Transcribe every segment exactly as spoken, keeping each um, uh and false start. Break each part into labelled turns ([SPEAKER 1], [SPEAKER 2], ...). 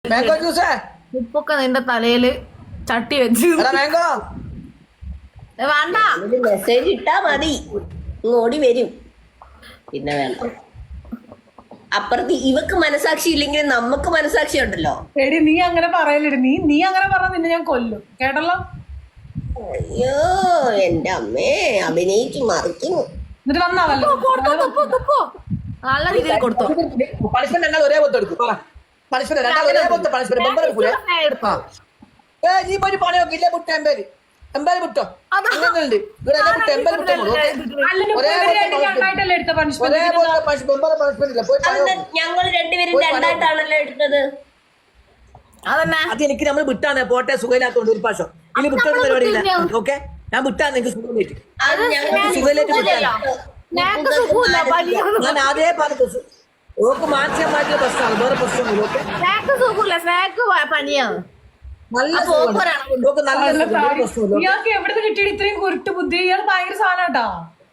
[SPEAKER 1] Mango juice
[SPEAKER 2] ഉപ്പൊക്കെ നിന്റെ തലയില് ചട്ടി വെച്ച്
[SPEAKER 1] മാംഗോ
[SPEAKER 2] വേണ്ട.
[SPEAKER 3] മെസ്സേജ് ഇട്ടാ മതി, ഓടി വരും. പിന്നെ വേണ്ട. അപ്പുറത്ത് ഇവക്ക് മനസാക്ഷി ഇല്ലെങ്കിൽ നമുക്ക് മനസാക്ഷി ഉണ്ടല്ലോ.
[SPEAKER 4] എടി നീ അങ്ങനെ പറയലെടി, നീ നീ അങ്ങനെ പറഞ്ഞ നിന്നെ ഞാൻ കൊല്ലും, കേട്ടല്ലോ.
[SPEAKER 3] അയ്യോ എന്റെ അമ്മേ, അഭിനയിച്ചു മറിക്കുന്നു.
[SPEAKER 4] എന്നിട്ട് വന്നാവല്ലോ
[SPEAKER 2] നല്ല രീതിയിൽ കൊടുത്തോ.
[SPEAKER 1] പണിഷ്മെന്റ് എന്നാൽ ഒരേ പോലത്തെ എടുക്കും. പണിഷ്മെന്റ് രണ്ടാൾ ഒരേ പോലത്തെ പണിഷ്മെന്റ് മെമ്പർ എടുക്കൂലേ? ഏ നീ പോയി പണി നോക്കി ഇല്ലേ മുട്ട എമ്പേര് എമ്പേര് മുട്ടോ അങ്ങനെയുണ്ട് ഇവിടെ എല്ലാ മുട്ട എമ്പേര് മുട്ട ഒരേ
[SPEAKER 4] രണ്ടായിട്ടല്ലേ എടുത്ത പണിഷ്മെന്റ്?
[SPEAKER 1] ഒരേ പോലത്തെ മെമ്പർ പണിഷ്മെന്റ് ഇല്ല. പോയി പണി നോക്ക്.
[SPEAKER 3] ഞങ്ങൾ രണ്ടുപേരും രണ്ടായിട്ടാണല്ലോ എടുത്തത്.
[SPEAKER 2] അതന്നെ
[SPEAKER 1] അത് എനിക്ക് നമ്മൾ വിട്ടാണ് പോട്ടെ, സുഖമില്ലാത്തോണ്ട് ഒരു പ്രാവശ്യം ഇനി വിട്ടൊരു പരിപാടിയില്ല. ഓക്കെ ഞാൻ വിട്ടാന്ന് എനിക്ക് സുഖമില്ലേക്ക്
[SPEAKER 3] അത് ഞങ്ങൾ
[SPEAKER 1] സുഖമിലേക്ക് വിട്ടാ
[SPEAKER 2] ഞങ്ങക്ക് സുഖമില്ല, പനിയാണ്.
[SPEAKER 1] ഞാൻ ആദ്യേ പറഞ്ഞു ഓക്ക് മാറ്റിയാൽ മാറ്റിയ പ്രശ്നമാണ്, വേറെ പ്രശ്നമൊന്നുമില്ല. ഓക്കെ
[SPEAKER 2] സ്നാക്ക് സുഖമില്ല, സ്നാക്ക് പനിയാണ്.
[SPEAKER 1] നല്ല
[SPEAKER 2] അപ്പൊ
[SPEAKER 1] സുഖമാണ്.
[SPEAKER 2] ഓപ്പറാണ്.
[SPEAKER 1] ഓക്ക് നല്ല സുഖം, ഒരു പ്രശ്നമില്ല.
[SPEAKER 4] ഇയാൾക്ക് എവിടെ കിട്ടിയത് ഇത്രയും കുരുട്ട് ബുദ്ധി? ഇയാൾ ഭയങ്കര സാധനട്ടാ.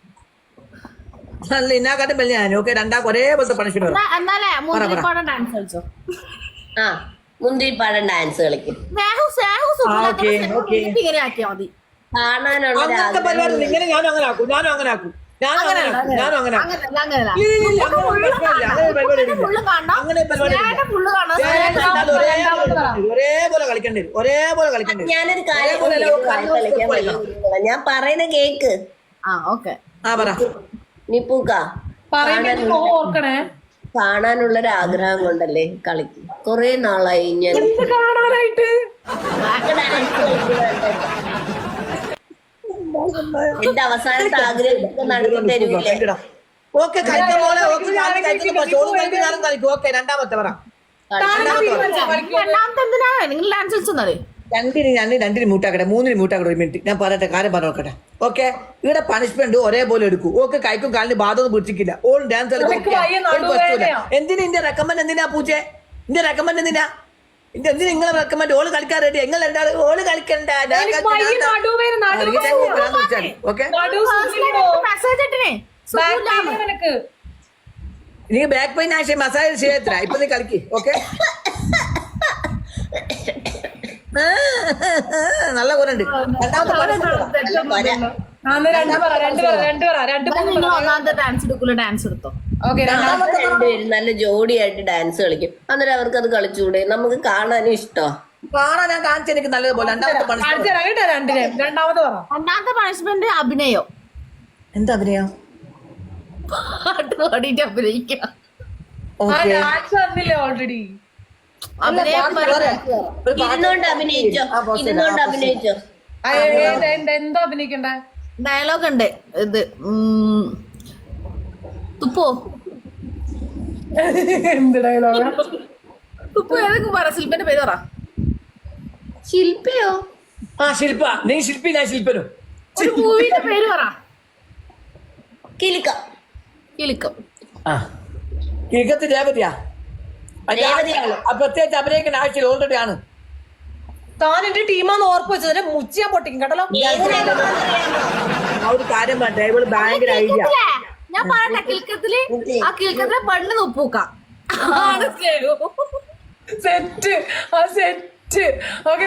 [SPEAKER 1] നല്ല ഇന്നാക്കാട്ടും വലിയ ഞാൻ. ഓക്കെ രണ്ടാൾക്ക് ഒരേ പോലത്തെ പണിഷ്മെന്റ്
[SPEAKER 2] എന്നാ- എന്നാലേ മുന്തിരിപ്പാടം ഡാൻസ് കളിച്ചോ.
[SPEAKER 3] ആ മുന്തിരിപ്പാടം ഡാൻസ് കളിക്കും.
[SPEAKER 2] സ്നേഹു സ്നേഹു സുഖമില്ലാത്ത
[SPEAKER 1] ഓക്കേ,
[SPEAKER 2] സ്നേഹു
[SPEAKER 1] ഓക്കേ.
[SPEAKER 2] വീട്ടിൽ ഇങ്ങനെ ആക്കിയാ മതി.
[SPEAKER 3] കാണാനുള്ള ഒരു
[SPEAKER 1] അങ്ങനത്തെ പരിപാടി
[SPEAKER 3] ആഗ്രഹം.
[SPEAKER 1] ഇങ്ങനെ ഞാനും അങ്ങനെ ആക്കും, ഞാനും അങ്ങനെ ആക്കും, ഞാനും അങ്ങനെ ആക്കും, ഞാനും അങ്ങനെ ആക്കും.
[SPEAKER 2] അങ്ങനല്ല അങ്ങനല്ല
[SPEAKER 1] ഇല്ല, ഇല്ല, ഇല്ല, അങ്ങനെ ഒരു പ്രശ്നമില്ല. അങ്ങനെ ഒരു പരിപാടി ഇല്ല.
[SPEAKER 2] ഫുള്ള് കാണണം,
[SPEAKER 1] അങ്ങനെ ഒരു പരിപാടി ഇല്ല.
[SPEAKER 2] സ്നേഹം ഫുള്ള് കാണണം.
[SPEAKER 1] സ്നേഹം
[SPEAKER 2] സ്നേഹം
[SPEAKER 1] കണ്ടാൽ ഒരേ ഒരേപോലെ കളിക്കേണ്ടി വരും, ഒരേപോലെ കളിക്കേണ്ടി വരും.
[SPEAKER 3] ഞാനൊരു കാര്യം
[SPEAKER 1] ഒരേപോലെ അല്ല,
[SPEAKER 3] കേക്ക്
[SPEAKER 1] കണ്ണു
[SPEAKER 3] കളിക്കാൻ
[SPEAKER 1] കളിക്കണം.
[SPEAKER 3] വയ്യ. ഞാൻ പറയുന്ന കേക്ക്
[SPEAKER 2] ആ ഓക്കെ.
[SPEAKER 1] ആ പറ.
[SPEAKER 3] നിപ്പൂക്ക
[SPEAKER 4] പറയുമ്പോ ഓർക്കണേ.
[SPEAKER 3] കാണാനുള്ളൊരു ആഗ്രഹം കൊണ്ടല്ലേ കളിക്കും. കൊറേ നാളായി ഞാൻ
[SPEAKER 4] ഇത് കാണാനായിട്ട്
[SPEAKER 3] എന്റെ അവസാനത്തെ ആഗ്രഹം നടത്തി തരുമില്ലേ?
[SPEAKER 1] ഓക്കെ കളിക്കും മോളെ, ഓക്കെ ഞാനും കളിക്കുന്നു. ചോറും കളിക്കും, ഞാനും കളിക്കും. ഓക്കെ രണ്ടാമത്തെ പറ. രണ്ടാമത്തെ പറ.
[SPEAKER 2] രണ്ടാമത്തെ എന്തിനാ നിങ്ങൾ ഡാൻസ് കളിച്ചെന്നാലേ.
[SPEAKER 1] രണ്ടിന് ഞാൻ രണ്ടിന് മ്യൂട്ടാക്കട്ടെ, മൂന്നിന് മ്യൂട്ടാക്കട്ടെ. ഒരു മിനിറ്റ് ഞാൻ പറയട്ടെ, കാര്യം പറഞ്ഞു നോക്കട്ടെ. ഓക്കെ ഇവിടെ പണിഷ്മെന്റ് ഒരേപോലെ എടുക്കൂ. ഓക്കെ കൈക്കും കാലിന് ബാധൊന്നും പിടിച്ചിട്ടില്ല. ഓൾ ഡാൻസ് എന്തിനാ ഇന്റെ റെക്കമെൻഡ്? എന്തിനാ പൂച്ചേ ഇന്റെ റെക്കമെൻഡ്? എന്തിനാ ഇന്റെ എന്തിനാ നിങ്ങളെ റെക്കമെൻഡ്? ഓള് കളിക്കാൻ റെഡി, നിങ്ങൾ രണ്ടാള് ഓള് കളിക്കണ്ട. ഓക്കെ
[SPEAKER 2] മെസ്സേജ് ഇട്ടിനെ
[SPEAKER 4] നിനക്ക്
[SPEAKER 1] നീ ബാക്ക് പെയിൻ ആശയം മസാജ് ചെയ്യത്ര ഇപ്പൊ നീ കളിക്ക്. ഓക്കെ നല്ല കുറണ്ട്. രണ്ടാമത്തെ
[SPEAKER 2] ഒന്നാമത്തെ ഡാൻസ് എടുക്കൂല, ഡാൻസ് എടുത്തോ.
[SPEAKER 3] രണ്ടുപേരും നല്ല ജോഡിയായിട്ട് ഡാൻസ് കളിക്കും. അന്നേരം അവർക്ക് അത് കളിച്ചുകൂടെ? നമുക്ക് കാണാനും ഇഷ്ടം.
[SPEAKER 1] കാണാൻ ഞാൻ കാണിച്ച എനിക്ക് നല്ലതുപോലെ. രണ്ടാമത്തെ പണിഷ്മെന്റ്
[SPEAKER 4] രണ്ടാമത് പറ.
[SPEAKER 2] രണ്ടാമത്തെ പണിഷ്മെന്റ് അഭിനയോ.
[SPEAKER 1] എന്താ അഭിനയം?
[SPEAKER 2] പാട്ട് പാടിയിട്ട് അഭിനയിക്കാം.
[SPEAKER 1] ഓക്കെ
[SPEAKER 4] ഓൾറെഡി
[SPEAKER 2] അഭിനയം
[SPEAKER 3] ഇരുന്നോണ്ട് അഭിനയിച്ചോ, ഇരുന്നോണ്ട് അഭിനയിച്ചോ.
[SPEAKER 4] എന്തോ അഭിനയിക്കണ്ടേ?
[SPEAKER 2] ഡയലോഗ് ഉണ്ട്. ഇത് ഉം, തുപ്പോ
[SPEAKER 4] എന്ത് ഡയലോഗ?
[SPEAKER 2] തുപ്പോ ഏതൊക്കെ പറ. ശില്പന്റെ പേര് പറ.
[SPEAKER 3] ശില്പയോ?
[SPEAKER 1] ആ ശില്പ, നീ ശില്പി ഞാൻ ശില്പനും.
[SPEAKER 2] ഒരു മൂവിന്റെ പേര് പറ.
[SPEAKER 3] കിലുക്ക.
[SPEAKER 2] കിലുക്കം.
[SPEAKER 1] ആ കിഴക്കത്ത് രേവതിയാ. പ്രത്യേകിച്ച് അഭിനയിക്കേണ്ട ആവശ്യം ഓൾറെഡി ആണ്.
[SPEAKER 4] താൻ എന്റെ ടീമാന്ന് ഓർപ്പ് വെച്ചതിന് മുച്ചിയാ പൊട്ടിക്കും കേട്ടല്ലോ.
[SPEAKER 1] ആ ഒരു കാര്യം പറഞ്ഞ ഇവള് ഭയങ്കര ഐഡിയ.
[SPEAKER 2] ഞാൻ പറയട്ടെ, കിൽക്കത്തില് ആ കിൽക്കത്തിലെ പണ്ട് തുപ്പൂക്കാം.
[SPEAKER 4] സെറ്റ് ആ സെറ്റ്. ഓക്കെ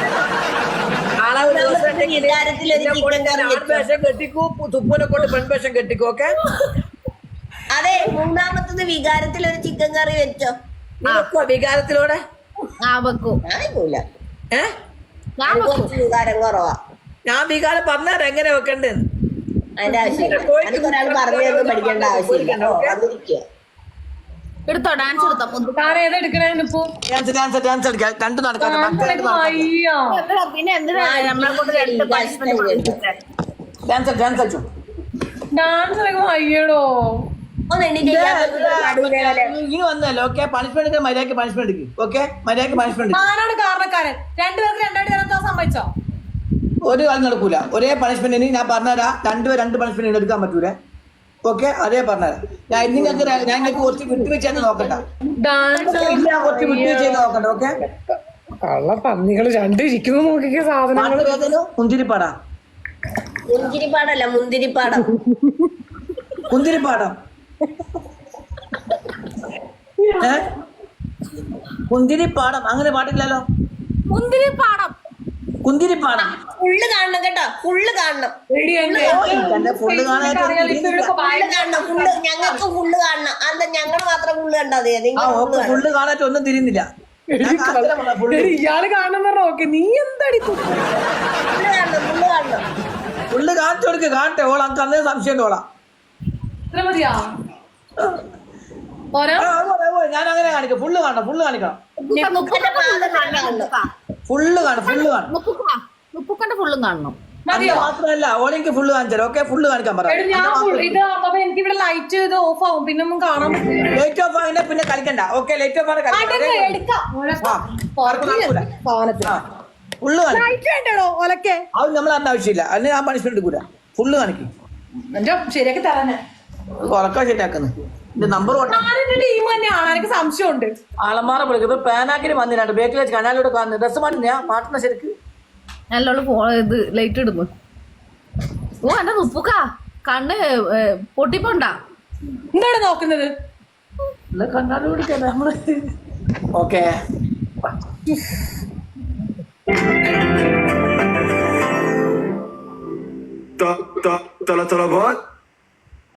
[SPEAKER 1] ആൺവേഷം കെട്ടിക്കൂ, തുപ്പൂനെ കൊണ്ട് പെൺവേഷം കെട്ടിക്കൂ. ഓക്കെ
[SPEAKER 3] അതെ, മൂന്നാമത്തത് വികാരത്തിൽ ഒരു ചിക്കൻ കറി വെച്ചോ.
[SPEAKER 1] വികാരത്തിലൂടെ
[SPEAKER 2] ആ വെക്കൂ.
[SPEAKER 3] ഞാനില്ല,
[SPEAKER 1] ഏ
[SPEAKER 2] ഞാൻ വെക്കും.
[SPEAKER 3] വികാരം കുറവാ.
[SPEAKER 1] ഞാൻ വികാരം പറഞ്ഞാൽ എങ്ങനെ വെക്കണ്ടെന്ന്
[SPEAKER 3] അതിന്റെ ആവശ്യമില്ല. ഒരാൾ പറഞ്ഞൊന്നും പഠിക്കേണ്ട ആവശ്യമില്ല. വന്നിരിക്കുക.
[SPEAKER 2] എടുത്തോ, ഡാൻസ് എടുത്തോ.
[SPEAKER 4] താൻ ഏതാ എടുക്കണേ? ഇപ്പോ
[SPEAKER 1] ഡാൻസ് ഡാൻസ് ഡാൻസ് കളിക്കാം. രണ്ടും നടക്കാം.
[SPEAKER 4] അയ്യോ
[SPEAKER 2] എന്തിനാ പിന്നെ എന്തിനാ നമ്മളെ കൊണ്ട് രണ്ട് പണിഷ്മെന്റ്.
[SPEAKER 1] ഡാൻസ് ഡാൻസ് കളിച്ചു.
[SPEAKER 4] ഡാൻസ് കളിക്കുമ്പോ അയ്യടോ.
[SPEAKER 3] ഒന്ന് എണീറ്റ്
[SPEAKER 1] ഇനി വന്നല്ലോ. ഓക്കെ പണിഷ്മെന്റ് മര്യാദക്ക് പണിഷ്മെന്റ് എടുക്കും. ഓക്കെ മര്യാദക്ക് പണിഷ്മെന്റ്.
[SPEAKER 4] ആരാണ് കാരണക്കാരൻ? രണ്ടുപേർക്ക് രണ്ടായിട്ട് തരാൻ സമ്മതിച്ചോ?
[SPEAKER 1] ഒരു കാലം നടക്കൂല. ഒരേ പണിഷ്മെന്റിന് ഞാൻ പറഞ്ഞുതരാം. രണ്ടുപേർ രണ്ട് പണിഷ്മെന്റ് എടുക്കാൻ പറ്റൂലേ. ഓക്കെ അതേ പറഞ്ഞുതരാം. ഞാൻ നിങ്ങൾക്ക് ഞാൻ നിങ്ങൾക്ക് കുറച്ച് വിട്ടുവീഴ്ച നോക്കണ്ട.
[SPEAKER 4] ഡാൻസ്
[SPEAKER 1] കുറച്ച് വിട്ടുവീഴ്ച നോക്കണ്ട. ഓക്കെ
[SPEAKER 4] കള്ള പന്നികള് രണ്ട് ഇരിക്കുന്നു നോക്കിയ സാധനങ്ങൾ.
[SPEAKER 1] മുന്തിരിപ്പാടാ.
[SPEAKER 3] മുന്തിരിപ്പാടല്ല, മുന്തിരിപ്പാടം.
[SPEAKER 1] മുന്തിരിപ്പാടം. കുന്തിരിപ്പാടം അങ്ങനെ പാട്ടില്ലല്ലോ.
[SPEAKER 2] മുന്തിരി പാടം.
[SPEAKER 1] കുന്തിരിപ്പാടം
[SPEAKER 3] ഫുള്ള് കാണണം കേട്ടോ, ഫുള്ള് കാണണം.
[SPEAKER 4] എടി എന്റെ
[SPEAKER 1] എന്റെ ഫുള്ള് കാണാനായിട്ട്
[SPEAKER 3] ഫുള്ള് കാണണം, ഫുള്ള് ഞങ്ങൾക്ക് ഫുള്ള് കാണണം. അതെന്താ ഞങ്ങൾ മാത്രം ഫുള്ള് കണ്ടാ മതി?
[SPEAKER 1] ആ
[SPEAKER 3] നിങ്ങൾ
[SPEAKER 1] ഓക്കെ ഫുള്ള് കാണാനായിട്ട് ഒന്നും തിരിയുന്നില്ല. ഞാൻ കാണിച്ചു തരാം full.
[SPEAKER 4] എടി, ഇയാള് കാണണം പറഞ്ഞ ഓക്കെ, നീ എന്താടി തു-
[SPEAKER 3] ഫുള്ള് കാണണം, ഫുള്ള് കാണണം.
[SPEAKER 1] ഫുള്ള് കാണിച്ചു കൊടുക്ക്, കാണട്ടെ. ഓള അനക്ക് അന്നേ സംശയം ഓളാ.
[SPEAKER 4] ഇത്ര മതിയാ പോരാ?
[SPEAKER 1] ആ, അത് മതി, അത് മതി. ഞാൻ അങ്ങനെ കാണിക്കാം. ഫുള്ള് കാണണം, ഫുള്ള് കാണിക്കണം.
[SPEAKER 3] മുപ്പന്റെ പാദം കാണണം.
[SPEAKER 1] ഫുള്ള് കാണും, ഫുള്ള് കാണും.
[SPEAKER 2] മുപ്പുക്കന്റെ ഫുള്ളും കാണണം.
[SPEAKER 4] മതിയോ?
[SPEAKER 1] അത് മാത്രമല്ല ഓളെനിക്ക് ഫുള്ള് കാണിച്ചാലോ. ഓക്കെ ഫുള്ള് കാണിക്കാൻ പറ.
[SPEAKER 4] എടി ഞാൻ full- ഇത് അപ്പൊ എനിക്ക് ഇവിടെ ലൈറ്റ് ഇത് ഓഫ് ആവും, പിന്നെ ഒന്നും കാണാൻ പറ്റില്ല.
[SPEAKER 1] ലൈറ്റ് ഓഫ് ആകിനെ പിന്നെ കളിക്കണ്ട. ഓക്കെ ലൈറ്റ് ഓഫ് ആണ്
[SPEAKER 4] അതൊക്കെ എടുക്കാം. സാധനത്തിന്
[SPEAKER 1] ഫുള്ള് കാണിക്കും.
[SPEAKER 4] ലൈറ്റ് വേണ്ടോ ഒലക്കെ?
[SPEAKER 1] അത് നമ്മൾ അതിന്റെ ആവശ്യമില്ല. അതിന് ഞാൻ പണിഷ്മെന്റ് എടുക്കൂല. ഫുള്ള് കാണിക്കും.
[SPEAKER 4] എന്റെ ശരിയാക്കി തരാനെ.
[SPEAKER 1] ഉറക്കം ശരിയാക്കുന്നു. ഇത് നമ്പർ
[SPEAKER 4] ഞാനെന്റെ ടീം തന്നെയാണ്, എനിക്ക് സംശയമുണ്ട്.
[SPEAKER 1] ആളന്മാരെ വിളിക്കും. ഇപ്പൊ പാനാക്കിന് വന്നിട്ടുണ്ട്. ബേക്കിൽ വെച്ച് കനാലിലൂടെ കാണുന്നു. ഡ്രസ് മാറ്റുന്ന മാറ്റുന്ന ശരിക്ക്
[SPEAKER 2] നല്ലോണം ഫോ ഇത് ലൈറ്റ് ഇടുന്നു. ഓ എന്റെ ഉപ്പുക്ക കണ്ണ് ഏ, പൊട്ടിപ്പോണ്ടാ.
[SPEAKER 4] എന്താണ് നോക്കുന്നത്?
[SPEAKER 1] കനാലിലൂടെ നമ്മള് ഓക്കെ
[SPEAKER 5] طلع طلعات